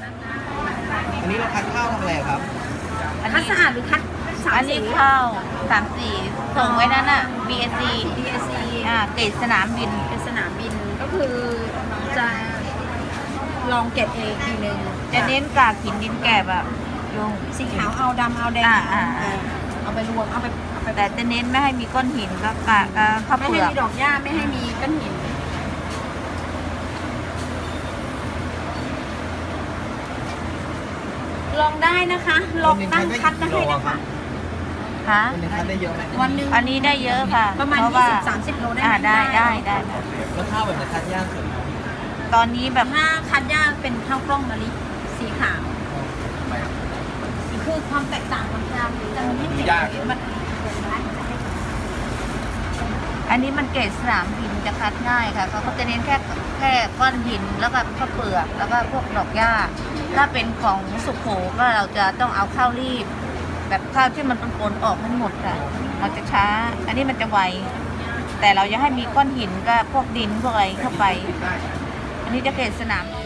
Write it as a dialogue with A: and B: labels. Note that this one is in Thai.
A: อันนี้เราคัดข้าวทำอะไรครับ
B: คัดสะอาดหรือคัดสาม
C: อัน
B: สี
C: นี้ข้าว3 สีส่งไว้นั่นน่ะ BSC
B: DSC
C: เกรดสนามบิน
B: เป็นสนามบินก็คือจะลองเก็บเองทีนึง
C: จะเน้นกากหินดินแกบอะลุง
B: สีขาวเอาดำเอาแดง เอาไปรวมเอาไป
C: แต่จะเน้นไม่ให้มีก้อนหินก็กากข้าว
B: ไม่
C: เปลื
B: ให้
C: อก
B: มีดอกหญ้าไม่ให้มีก้อนหินลองได้นะคะลองตั้งคัดมาให้นะคะ
C: ค่ะ
A: วันหนึงคัดได้เยอะไหม
B: วันหนึ่ง
C: อันนี้ได้เยอะค่ะ
B: ประมาณ
C: เพว่า
B: 20-30 โลได้ไหม
C: ได้ค่ะ
A: แล้วข้าวแบบไหนคัดยากสุด
C: ตอนนี้แบบ
B: ถ้าคัดหญ้าเป็นข้าวกล้องมะลิสีขาวคือความแตกต่างของยางจะมีให้เห็นมัน
C: อันนี้มันเกรดสนามบินจะคัดง่ายค่ะเขาก็จะเน้นแค่ก้อนหินแล้วก็ข้าวเปลือกแล้วก็พวกดอกหญ้าถ้าเป็นของสุโขก็เราจะต้องเอาข้าวรีบ แบบข้าวที่มันปนๆออกทั้งหมดค่ะเราจะช้า อันนี้มันจะไวแต่เราจะให้มีก้อนหินก็พวกดินพวกอะไรเข้าไป อันนี้จะเกรดสนาม